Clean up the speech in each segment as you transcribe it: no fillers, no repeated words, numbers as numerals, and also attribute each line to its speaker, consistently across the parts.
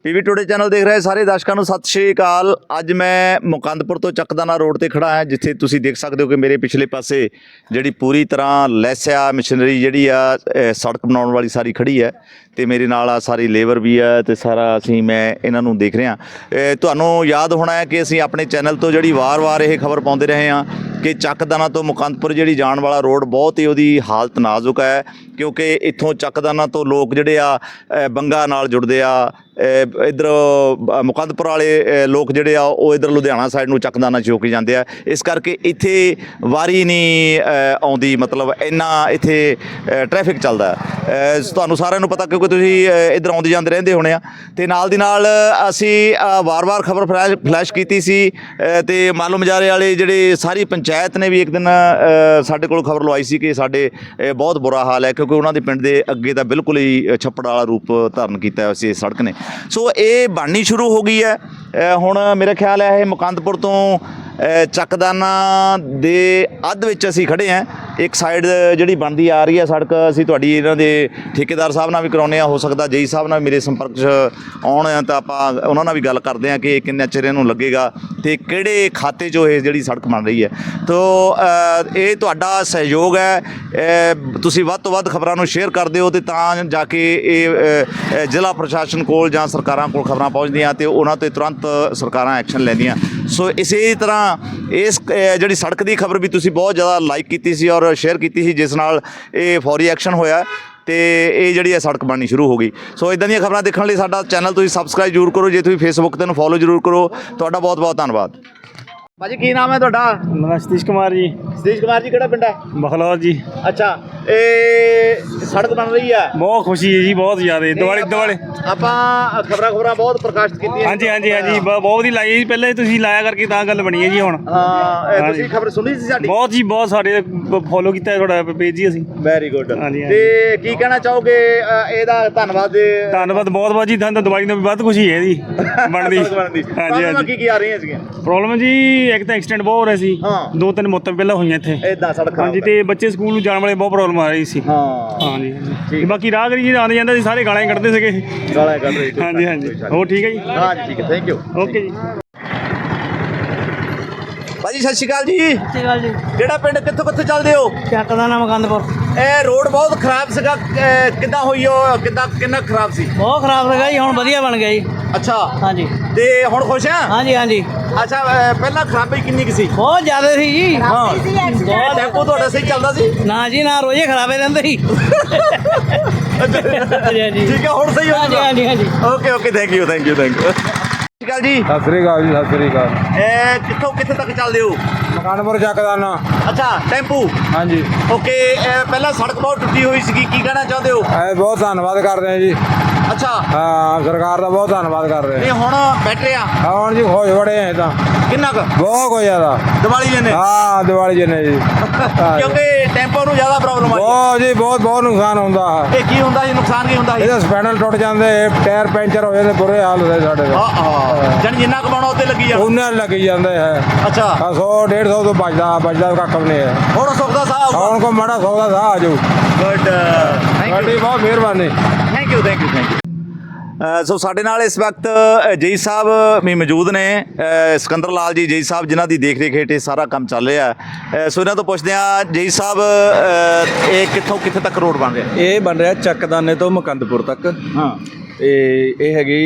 Speaker 1: PV today channel ਦੇਖ ਰਹੇ ਸਾਰੇ ਦਰਸ਼ਕਾਂ ਨੂੰ ਸਤਿ ਸ਼੍ਰੀ ਅਕਾਲ। ਅੱਜ ਮੈਂ ਮੁਕੰਦਪੁਰ ਤੋਂ ਚੱਕਦਾਨਾ ਰੋਡ ਤੇ ਖੜਾ ਹਾਂ, ਜਿੱਥੇ ਤੁਸੀਂ ਦੇਖ ਸਕਦੇ ਹੋ ਕਿ ਮੇਰੇ ਪਿਛਲੇ ਪਾਸੇ ਜਿਹੜੀ ਪੂਰੀ ਤਰ੍ਹਾਂ ਲੈਸਿਆ ਮਸ਼ੀਨਰੀ ਜਿਹੜੀ ਆ ਸੜਕ ਬਣਾਉਣ ਵਾਲੀ ਸਾਰੀ ਖੜੀ ਹੈ ਤੇ ਮੇਰੇ ਨਾਲ ਆ ਸਾਰੀ ਲੇਬਰ ਵੀ ਹੈ ਤੇ ਸਾਰਾ ਅਸੀਂ ਮੈਂ ਇਹਨਾਂ ਨੂੰ ਦੇਖ ਰਿਹਾ। ਤੁਹਾਨੂੰ ਯਾਦ ਹੋਣਾ ਹੈ ਕਿ ਅਸੀਂ ਆਪਣੇ ਚੈਨਲ ਤੋਂ ਜਿਹੜੀ ਵਾਰ-ਵਾਰ ਇਹ ਖਬਰ ਪਾਉਂਦੇ ਰਹੇ ਹਾਂ ਕਿ ਚੱਕਦਾਨਾ ਤੋਂ ਮੁਕੰਦਪੁਰ ਜਿਹੜੀ ਜਾਣ ਵਾਲਾ ਰੋਡ ਬਹੁਤ ਹੀ ਉਹਦੀ ਹਾਲਤ ਨਾਜ਼ੁਕ ਹੈ, ਕਿਉਂਕਿ ਇੱਥੋਂ ਚੱਕਦਾਨਾ ਤੋਂ ਲੋਕ ਜਿਹੜੇ ਆ ਬੰਗਾ ਨਾਲ ਜੁੜਦੇ ਆ। ਇੱਧਰ ਮੁਕੰਦਪੁਰ ਵਾਲੇ ਲੋਕ ਜਿਹੜੇ ਆ ਉਹ ਇੱਧਰ ਲੁਧਿਆਣਾ ਸਾਈਡ ਨੂੰ ਚੱਕਦਾਨਾ ਚੌਕੀ ਜਾਂਦੇ ਆ, ਇਸ ਕਰਕੇ ਇੱਥੇ ਵਾਰੀ ਨਹੀਂ ਆਉਂਦੀ, ਮਤਲਬ ਇੰਨਾ ਇੱਥੇ ਟ੍ਰੈਫਿਕ ਚੱਲਦਾ। ਤੁਹਾਨੂੰ ਸਾਰਿਆਂ ਨੂੰ ਪਤਾ ਕਿਉਂਕਿ ਤੁਸੀਂ ਇੱਧਰ ਆਉਂਦੇ ਜਾਂਦੇ ਰਹਿੰਦੇ ਹੋਣੇ ਆ। ਅਤੇ ਨਾਲ ਦੀ ਨਾਲ ਅਸੀਂ ਵਾਰ-ਵਾਰ ਖਬਰ ਫਲੈਸ਼ ਕੀਤੀ ਸੀ ਅਤੇ ਮਾਲੂਮ ਮਜਾਰੇ ਵਾਲੇ ਜਿਹੜੇ ਸਾਰੀ ਪੰਚਾਇਤ ਨੇ ਵੀ ਇੱਕ ਦਿਨ ਸਾਡੇ ਕੋਲ ਖਬਰ ਲਵਾਈ ਸੀ ਕਿ ਸਾਡੇ ਬਹੁਤ ਬੁਰਾ ਹਾਲ ਹੈ, ਕਿਉਂਕਿ ਉਹਨਾਂ ਦੇ ਪਿੰਡ ਦੇ ਅੱਗੇ ਤਾਂ ਬਿਲਕੁਲ ਹੀ ਛੱਪੜ ਵਾਲਾ ਰੂਪ ਧਾਰਨ ਕੀਤਾ ਹੋਇਆ ਸੀ ਇਸ ਸੜਕ ਨੇ। ਸੋ ਇਹ ਬਣਨੀ ਸ਼ੁਰੂ ਹੋ ਗਈ ਹੈ। ਹੁਣ ਮੇਰਾ ਖਿਆਲ ਹੈ ਇਹ ਮੁਕੰਦਪੁਰ ਤੋਂ ਚੱਕਦਾਨਾ ਦੇ ਅੱਧ ਵਿੱਚ ਅਸੀਂ ਖੜ੍ਹੇ ਹਾਂ। ਇੱਕ ਸਾਈਡ ਜਿਹੜੀ ਬਣਦੀ ਆ ਰਹੀ ਹੈ ਸੜਕ, ਅਸੀਂ ਤੁਹਾਡੀ ਇਹਨਾਂ ਦੇ ਠੇਕੇਦਾਰ ਸਾਹਿਬ ਨਾਲ ਵੀ ਕਰਾਉਂਦੇ ਹਾਂ, ਹੋ ਸਕਦਾ ਜੇਈ ਸਾਹਿਬ ਨਾਲ ਮੇਰੇ ਸੰਪਰਕ 'ਚ ਆਉਣ ਤਾਂ ਆਪਾਂ ਉਹਨਾਂ ਨਾਲ ਵੀ ਗੱਲ ਕਰਦੇ ਹਾਂ ਕਿ ਕਿੰਨਾ ਚਿਰ ਇਹਨੂੰ ਲੱਗੇਗਾ ਅਤੇ ਕਿਹੜੇ ਖਾਤੇ 'ਚੋਂ ਇਹ ਜਿਹੜੀ ਸੜਕ ਬਣ ਰਹੀ ਹੈ। ਤੋ ਇਹ ਤੁਹਾਡਾ ਸਹਿਯੋਗ ਹੈ, ਤੁਸੀਂ ਵੱਧ ਤੋਂ ਵੱਧ ਖਬਰਾਂ ਨੂੰ ਸ਼ੇਅਰ ਕਰਦੇ ਹੋ ਅਤੇ ਤਾਂ ਜਾ ਕੇ ਇਹ ਜ਼ਿਲ੍ਹਾ ਪ੍ਰਸ਼ਾਸਨ ਕੋਲ ਜਾਂ ਸਰਕਾਰਾਂ ਕੋਲ ਖਬਰਾਂ ਪਹੁੰਚਦੀਆਂ ਅਤੇ ਉਹਨਾਂ 'ਤੇ ਤੁਰੰਤ ਸਰਕਾਰਾਂ ਐਕਸ਼ਨ ਲੈਂਦੀਆਂ। ਸੋ ਇਸੇ ਤਰ੍ਹਾਂ ਇਸ ਜਿਹੜੀ ਸੜਕ ਦੀ ਖਬਰ ਵੀ ਤੁਸੀਂ ਬਹੁਤ ਜ਼ਿਆਦਾ ਲਾਈਕ ਕੀਤੀ ਸੀ ਔਰ ਸ਼ੇਅਰ ਕੀਤੀ ਸੀ, ਜਿਸ ਨਾਲ ਇਹ ਫੌਰੀ ਐਕਸ਼ਨ ਹੋਇਆ ਅਤੇ ਇਹ ਜਿਹੜੀ ਹੈ ਸੜਕ ਬਣਨੀ ਸ਼ੁਰੂ ਹੋ ਗਈ। ਸੋ ਇੱਦਾਂ ਦੀਆਂ ਖਬਰਾਂ ਦੇਖਣ ਲਈ ਸਾਡਾ ਚੈਨਲ ਤੁਸੀਂ ਸਬਸਕ੍ਰਾਈਬ ਜ਼ਰੂਰ ਕਰੋ। ਜੇ ਤੁਸੀਂ ਫੇਸਬੁੱਕ 'ਤੇ ਇਹਨੂੰ ਫੋਲੋ ਜ਼ਰੂਰ ਕਰੋ। ਤੁਹਾਡਾ ਬਹੁਤ ਬਹੁਤ ਧੰਨਵਾਦ। ਭਾਜੀ ਕੀ ਨਾਮ ਹੈ ਤੁਹਾਡਾ?
Speaker 2: ਮੇਰਾ ਸਤੀਸ਼ ਕੁਮਾਰ ਜੀ।
Speaker 1: ਸਤੀਸ਼ ਕੁਮਾਰ ਜੀ, ਕਿਹੜਾ ਪਿੰਡ ਹੈ?
Speaker 2: ਬਖਲੌਰ ਜੀ।
Speaker 1: ਅੱਛਾ, ਇਹ ਸੜਕ ਬਣ ਰਹੀ ਹੈ,
Speaker 2: ਬਹੁਤ ਖੁਸ਼ੀ ਹੈ ਜੀ, ਬਹੁਤ ਜ਼ਿਆਦਾ। ਦਿਵਾਲੀ
Speaker 1: ਆਪਾਂ ਖਬਰਾਂ ਬਹੁਤ ਪ੍ਰਕਾਸ਼ਿਤ ਕੀਤੀਆਂ।
Speaker 2: ਹਾਂਜੀ ਬਹੁਤ ਵਧੀਆ ਲਾਈ ਜੀ। ਪਹਿਲਾਂ ਹੀ ਤੁਸੀਂ ਲਾਇਆ ਕਰਕੇ ਤਾਂ ਗੱਲ ਬਣੀ ਹੈ ਜੀ। ਹੁਣ
Speaker 1: ਹਾਂ, ਤੁਸੀਂ ਖਬਰ ਸੁਣੀ ਸੀ ਸਾਡੀ?
Speaker 2: ਬਹੁਤ ਜੀ, ਬਹੁਤ ਸਾਰੇ ਫੋਲੋ ਕੀਤਾ ਤੁਹਾਡਾ ਪੇਜ ਜੀ ਅਸੀਂ।
Speaker 1: Very good.
Speaker 2: ਹਾਂਜੀ।
Speaker 1: ਤੇ ਕੀ ਕਹਿਣਾ ਚਾਹੋਗੇ ਇਹਦਾ? ਧੰਨਵਾਦ
Speaker 2: ਬਹੁਤ ਜੀ। ਤੁਹਾਨੂੰ ਦਿਵਾਲੀ ਨੂੰ ਵੀ ਵੱਧ ਖੁਸ਼ੀ ਹੈ ਜੀ ਬਣਦੀ।
Speaker 1: ਹਾਂਜੀ। ਕੀ ਆ ਰਹੀਆਂ ਸੀਗੀਆਂ
Speaker 2: ਪ੍ਰੋਬਲਮ ਜੀ? ਇੱਕ ਤਾਂ ਐਕਸੀਡੈਂਟ ਬਹੁਤ ਹੋ ਰਿਹਾ ਸੀ, 2-3 ਮੌਤਾਂ ਪਹਿਲਾਂ ਹੋਈਆਂ ਇੱਥੇ
Speaker 1: ਇਦਾਂ ਸੜਕ।
Speaker 2: ਹਾਂਜੀ, ਤੇ ਬੱਚੇ ਸਕੂਲ ਨੂੰ ਜਾਣ ਵਾਲੇ ਬਹੁਤ ਪ੍ਰੋਬਲਮ ਆ ਰਹੀ ਸੀ। ਹਾਂਜੀ। ਬਾਕੀ ਰਾਹਗੀਰ ਜੀ ਆਉਂਦੇ ਜਾਂਦੇ ਸੀ, ਸਾਰੇ ਗਾਲਾਂ ਕੱਢਦੇ ਸੀਗੇ।
Speaker 1: ਗਾਲਾਂ ਕੱਢ ਰਹੇ?
Speaker 2: ਹਾਂਜੀ। ਹੋਰ ਠੀਕ ਹੈ ਜੀ?
Speaker 1: ਹਾਂਜੀ ਠੀਕ ਹੈ, ਥੈਂਕ ਯੂ।
Speaker 2: ਓਕੇ ਜੀ।
Speaker 1: ਭਾਜੀ ਸਤਿ ਸ਼੍ਰੀ ਅਕਾਲ ਜੀ।
Speaker 3: ਸਤਿ ਸ਼੍ਰੀ ਅਕਾਲ ਜੀ।
Speaker 1: ਕਿਹੜਾ ਪਿੰਡ, ਕਿੱਥੋਂ ਚੱਲਦੇ ਹੋ?
Speaker 3: ਚੱਕਦਾਨਾ ਮੁਕੰਦਪੁਰ।
Speaker 1: ਇਹ ਰੋਡ ਬਹੁਤ ਖਰਾਬ ਸੀਗਾ, ਕਿੱਦਾਂ ਹੋਈ ਉਹ? ਕਿੰਨਾ ਖਰਾਬ ਸੀ?
Speaker 3: ਬਹੁਤ ਖਰਾਬ ਸੀਗਾ ਜੀ, ਹੁਣ ਵਧੀਆ ਬਣ ਗਿਆ ਜੀ।
Speaker 1: ਅੱਛਾ।
Speaker 3: ਹਾਂਜੀ।
Speaker 1: ਤੇ ਹੁਣ ਖੁਸ਼ ਆ?
Speaker 3: ਹਾਂਜੀ।
Speaker 1: ਅੱਛਾ, ਪਹਿਲਾਂ ਖਰਾਬੀ ਕਿੰਨੀ ਕੁ ਸੀ?
Speaker 3: ਬਹੁਤ ਜ਼ਿਆਦਾ ਸੀ ਜੀ।
Speaker 1: ਬਹੁਤ। ਟੈਂਪੋ ਤੁਹਾਡਾ ਸਹੀ ਚੱਲਦਾ ਸੀ?
Speaker 3: ਨਾ ਜੀ ਨਾ, ਰੋਜ਼ੇ ਖਰਾਬੇ ਰਹਿੰਦੇ ਸੀ।
Speaker 1: ਠੀਕ ਹੈ, ਹੁਣ ਸਹੀ ਹੋ ਗਿਆ?
Speaker 3: ਹਾਂਜੀ।
Speaker 1: Okay, thank you. ਸਤਿ ਸ਼੍ਰੀ ਅਕਾਲ ਜੀ।
Speaker 4: ਸਤਿ ਸ੍ਰੀ ਅਕਾਲ ਜੀ। ਸਤਿ ਸ੍ਰੀ ਅਕਾਲ।
Speaker 1: ਕਿੱਥੇ ਤੱਕ ਚੱਲਦੇ ਹੋ?
Speaker 4: ਮੁਕੰਦਪੁਰ ਚੱਕਦਾਨਾ।
Speaker 1: ਅੱਛਾ, ਟੈਂਪੂ।
Speaker 4: ਹਾਂਜੀ।
Speaker 1: ਓਕੇ, ਪਹਿਲਾਂ ਸੜਕ ਬਹੁਤ ਟੁੱਟੀ ਹੋਈ ਸੀਗੀ, ਕੀ ਕਹਿਣਾ ਚਾਹੁੰਦੇ ਹੋ?
Speaker 4: ਬਹੁਤ ਧੰਨਵਾਦ ਕਰਦੇ ਹਾਂ ਜੀ।
Speaker 1: ਅੱਛਾ।
Speaker 4: ਹਾਂ, ਸਰਕਾਰ ਦਾ ਬਹੁਤ ਧੰਨਵਾਦ ਕਰ ਰਹੇ
Speaker 1: ਨਹੀਂ ਹੁਣ ਬੈਟਰੇ ਆ?
Speaker 4: ਹੁਣ ਜੀ ਖੁਸ਼ ਬੜੇ ਆ ਤਾਂ।
Speaker 1: ਕਿੰਨਾ ਕੁ?
Speaker 4: ਬਹੁਤ ਕੁ ਜ਼ਿਆਦਾ।
Speaker 1: ਦੀਵਾਲੀ ਜਨੇ?
Speaker 4: ਹਾਂ, ਦੀਵਾਲੀ ਜਨੇ ਜੀ।
Speaker 1: ਕਿਉਂਕਿ ਟੈਂਪੋ ਨੂੰ ਜ਼ਿਆਦਾ ਪ੍ਰੋਬਲਮ ਆਈ
Speaker 4: ਬਹੁਤ ਜੀ, ਬਹੁਤ ਨੁਕਸਾਨ ਹੁੰਦਾ।
Speaker 1: ਇਹ ਕੀ ਹੁੰਦਾ ਜੀ? ਨੁਕਸਾਨ ਕੀ ਹੁੰਦਾ?
Speaker 4: ਇਹਦੇ ਸਪੈਨਲ ਟੁੱਟ ਜਾਂਦੇ, ਟਾਇਰ ਪੈਂਚਰ ਹੋ ਜਾਂਦੇ, ਬੁਰੇ ਹਾਲ ਹੁੰਦੇ ਸਾਡੇ ਦੇ।
Speaker 1: ਜਾਨੀ ਜਿੰਨਾ ਕਮਾਉਣਾ ਉੱਤੇ ਲੱਗੀ ਜਾਂਦਾ?
Speaker 4: ਉਹਨਾਂ ਲੱਗੀ ਜਾਂਦੇ ਹੈ।
Speaker 1: ਅੱਛਾ।
Speaker 4: 100-150 ਤੋਂ ਬਚਦਾ ਕੱਖ ਵੀ ਨਹੀਂ ਹੈ।
Speaker 1: ਹੁਣ ਸੁੱਖ ਦਾ ਸਾਹ
Speaker 4: ਹੁਣ ਕੋ ਮਾੜਾ ਸੌ ਦਾ ਸਾਹ ਆ ਜਾਊ।
Speaker 1: ਗੁੱਡ,
Speaker 4: ਤੁਹਾਡੀ ਬਹੁਤ ਮਿਹਰਬਾਨੀ।
Speaker 1: Thank you. ਸੋ ਸਾਡੇ ਨਾਲ ਇਸ ਵਕਤ ਜੇਈ ਸਾਹਿਬ ਵੀ ਮੌਜੂਦ ਨੇ, ਸਿਕੰਦਰ ਲਾਲ ਜੀ ਜੇਈ ਸਾਹਿਬ, ਜਿਨ੍ਹਾਂ ਦੀ ਦੇਖ ਰੇਖ ਹੇਠ ਇਹ ਸਾਰਾ ਕੰਮ ਚੱਲ ਰਿਹਾ। ਸੋ ਇਹਨਾਂ ਤੋਂ ਪੁੱਛਦੇ ਹਾਂ, ਜੇਈ ਸਾਹਿਬ ਇਹ ਕਿੱਥੇ ਤੱਕ ਰੋਡ ਬਣ ਰਿਹਾ?
Speaker 5: ਇਹ ਬਣ ਰਿਹਾ ਚੱਕਦਾਨੇ ਤੋਂ ਮੁਕੰਦਪੁਰ ਤੱਕ।
Speaker 1: ਹਾਂ।
Speaker 5: ਤੇ ਇਹ ਹੈਗੀ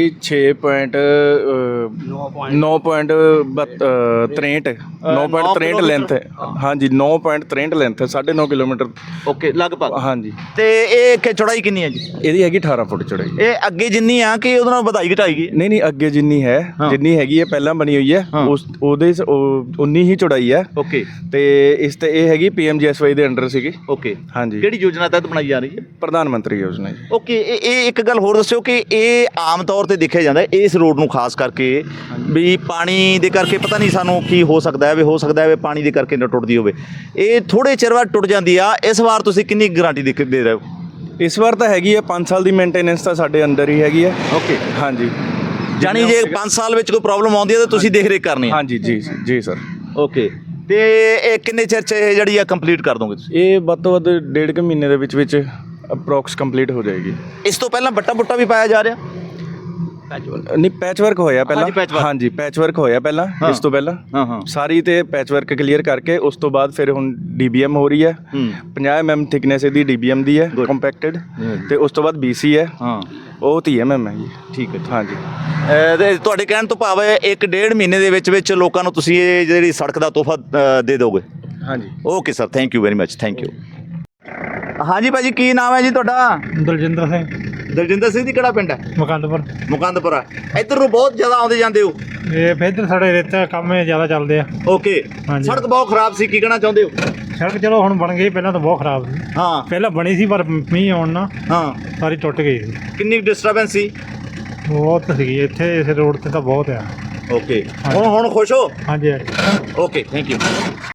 Speaker 5: 9.63 ਲੈਂਥ ਹੈ। ਹਾਂਜੀ, 9.63 ਲੈਂਥ ਹੈ, 9.5 ਕਿਲੋਮੀਟਰ।
Speaker 1: ਓਕੇ, ਲਗਭਗ।
Speaker 5: ਹਾਂਜੀ।
Speaker 1: ਤੇ ਇਹ ਚੌੜਾਈ ਕਿੰਨੀ ਹੈ ਜੀ?
Speaker 5: ਇਹਦੀ ਹੈਗੀ 18 ਫੁੱਟ ਚੌੜਾਈ।
Speaker 1: ਇਹ ਅੱਗੇ ਜਿੰਨੀ ਆ ਕਿ ਉਹਦੇ ਨਾਲ ਵਧਾਈ ਘਟਾਈ ਗਈ?
Speaker 5: ਨਹੀਂ, ਅੱਗੇ ਜਿੰਨੀ ਹੈ, ਜਿੰਨੀ ਹੈਗੀ ਹੈ ਪਹਿਲਾਂ ਬਣੀ ਹੋਈ ਹੈ, ਉਹਦੇ 19 ਹੀ ਚੌੜਾਈ ਹੈ।
Speaker 1: ਓਕੇ।
Speaker 5: ਤੇ ਇਸ ਤੇ ਇਹ ਹੈਗੀ PMGSY ਦੇ ਅੰਡਰ ਸੀਗੀ।
Speaker 1: ਓਕੇ।
Speaker 5: ਹਾਂਜੀ।
Speaker 1: ਕਿਹੜੀ ਯੋਜਨਾ ਤਹਿਤ ਬਣਾਈ ਜਾ ਰਹੀ ਹੈ?
Speaker 5: ਪ੍ਰਧਾਨ ਮੰਤਰੀ ਯੋਜਨਾ ਜੀ।
Speaker 1: ਓਕੇ। ਇਹ ਇੱਕ ਗੱਲ ਹੋਰ ਦੱਸਿਓ ਕਿ ਇਹ ਆਮ ਤੌਰ ਤੇ ਦੇਖਿਆ ਜਾਂਦਾ ਇਸ ਰੋਡ ਨੂੰ ਖਾਸ ਕਰਕੇ ਵੀ ਪਾਣੀ ਦੇ ਕਰਕੇ ਪਤਾ ਨਹੀਂ ਸਾਨੂੰ ਕੀ ਹੋ ਸਕਦਾ ਹੈ, ਹੋ ਸਕਦਾ ਹੈ ਪਾਣੀ ਦੇ ਕਰਕੇ ਨਾ ਟੁੱਟਦੀ ਹੋਵੇ। ਇਹ ਥੋੜੇ ਚਿਰ ਬਾਅਦ ਟੁੱਟ ਜਾਂਦੀ ਆ। ਇਸ ਵਾਰ ਤੁਸੀਂ ਕਿੰਨੀ ਗਾਰੰਟੀ ਦੇ ਰਹੇ ਹੋ?
Speaker 5: ਇਸ ਵਾਰ ਤਾਂ ਹੈਗੀ ਹੈ 5 ਸਾਲ ਦੀ ਮੇਨਟੇਨੈਂਸ ਤਾਂ ਸਾਡੇ ਅੰਦਰ ਹੀ ਹੈਗੀ ਹੈ।
Speaker 1: ਓਕੇ।
Speaker 5: ਹਾਂਜੀ।
Speaker 1: ਜਾਨੀ ਜੇ 5 ਸਾਲ ਵਿੱਚ ਕੋਈ ਪ੍ਰੋਬਲਮ ਆਉਂਦੀ ਹੈ ਤਾਂ ਤੁਸੀਂ ਦੇਖ ਰੇਖ ਕਰਨੀ ਹੈ?
Speaker 5: ਹਾਂਜੀ ਜੀ ਸਰ।
Speaker 1: ਓਕੇ। ਤੇ ਇਹ ਕਿੰਨੇ ਚਿਰ 'ਚ ਇਹ ਜਿਹੜੀ ਆ ਕੰਪਲੀਟ ਕਰ ਦੋਗੇ ਤੁਸੀਂ?
Speaker 5: ਇਹ ਵੱਧ ਤੋਂ ਵੱਧ 1.5 ਮਹੀਨੇ ਦੇ ਵਿੱਚ ਅਪਰੋਕਸ ਕੰਪਲੀਟ ਹੋ ਜਾਏਗੀ।
Speaker 1: ਇਸ ਤੋਂ ਪਹਿਲਾਂ ਬੱਟਾ ਬੁੱਟਾ ਵੀ ਪਾਇਆ ਜਾ ਰਿਹਾ?
Speaker 5: ਨਹੀਂ ਪੈਚ ਵਰਕ ਹੋਇਆ ਪਹਿਲਾਂ
Speaker 1: ਹਾਂਜੀ, patchwork।
Speaker 5: ਹਾਂਜੀ ਪੈਚ ਵਰਕ ਹੋਇਆ ਪਹਿਲਾਂ
Speaker 1: ਹਾਂ।
Speaker 5: ਇਸ ਤੋਂ ਪਹਿਲਾਂ
Speaker 1: ਹਾਂ
Speaker 5: ਸਾਰੀ ਤੇ ਪੈਚ ਵਰਕ ਕਲੀਅਰ ਕਰਕੇ ਉਸ ਤੋਂ ਬਾਅਦ ਫਿਰ ਹੁਣ DBM ਹੋ ਰਹੀ ਹੈ 50 mm ਥਿਕਨੈਸ ਇਹਦੀ DBM ਦੀ ਹੈ ਕੰਪੈਕਟਡ ਤੇ ਉਸ ਤੋਂ ਬਾਅਦ BC ਹੈ
Speaker 1: ਹਾਂ
Speaker 5: ਉਹ 30 mm ਹੈ ਜੀ
Speaker 1: ਠੀਕ ਹੈ
Speaker 5: ਹਾਂਜੀ
Speaker 1: ਤੇ ਤੁਹਾਡੇ ਕਹਿਣ ਤੋਂ ਭਾਵ ਹੈ 1.5 ਮਹੀਨੇ ਦੇ ਵਿੱਚ ਲੋਕਾਂ ਨੂੰ ਤੁਸੀਂ ਇਹ ਜਿਹੜੀ ਸੜਕ ਦਾ ਤੋਹਫਾ ਦੇ ਦੋਗੇ
Speaker 5: ਹਾਂਜੀ
Speaker 1: okay sir thank you very much thank you ਹਾਂਜੀ ਭਾਜੀ ਕੀ ਨਾਮ ਹੈ ਜੀ ਤੁਹਾਡਾ
Speaker 3: ਦਲਜਿੰਦਰ ਸਿੰਘ
Speaker 1: ਦਲਜਿੰਦਰ ਸਿੰਘ ਦੀ ਕਿਹੜਾ ਪਿੰਡ ਹੈ
Speaker 3: ਮੁਕੰਦਪੁਰ
Speaker 1: ਮੁਕੰਦਪੁਰਾ ਇੱਧਰ ਨੂੰ ਬਹੁਤ ਜ਼ਿਆਦਾ ਆਉਂਦੇ ਜਾਂਦੇ ਹੋ
Speaker 3: ਇਹ ਫੇਰ ਸਾਡੇ ਰੇਤਾ ਕੰਮ ਜ਼ਿਆਦਾ ਚੱਲਦੇ ਆ
Speaker 1: ਓਕੇ
Speaker 3: ਹਾਂਜੀ।
Speaker 1: ਸੜਕ ਬਹੁਤ ਖਰਾਬ ਸੀ ਕੀ ਕਹਿਣਾ ਚਾਹੁੰਦੇ ਹੋ
Speaker 3: ਸੜਕ ਚਲੋ ਹੁਣ ਬਣ ਗਈ ਪਹਿਲਾਂ ਤਾਂ ਬਹੁਤ ਖਰਾਬ ਸੀ
Speaker 1: ਹਾਂ
Speaker 3: ਪਹਿਲਾਂ ਬਣੀ ਸੀ ਪਰ ਮੀਂਹ ਆਉਣ ਨਾਲ
Speaker 1: ਹਾਂ
Speaker 3: ਸਾਰੀ ਟੁੱਟ ਗਈ ਸੀ
Speaker 1: ਕਿੰਨੀ ਡਿਸਟਰਬੈਂਸ ਸੀ
Speaker 3: ਬਹੁਤ ਸੀਗੀ ਇੱਥੇ ਇਸ ਰੋਡ ਤੇ ਤਾਂ ਬਹੁਤ ਆ
Speaker 1: ਓਕੇ ਹੁਣ ਖੁਸ਼ ਹੋ
Speaker 3: ਹਾਂਜੀ ਹਾਂਜੀ
Speaker 1: ਓਕੇ ਥੈਂਕ ਯੂ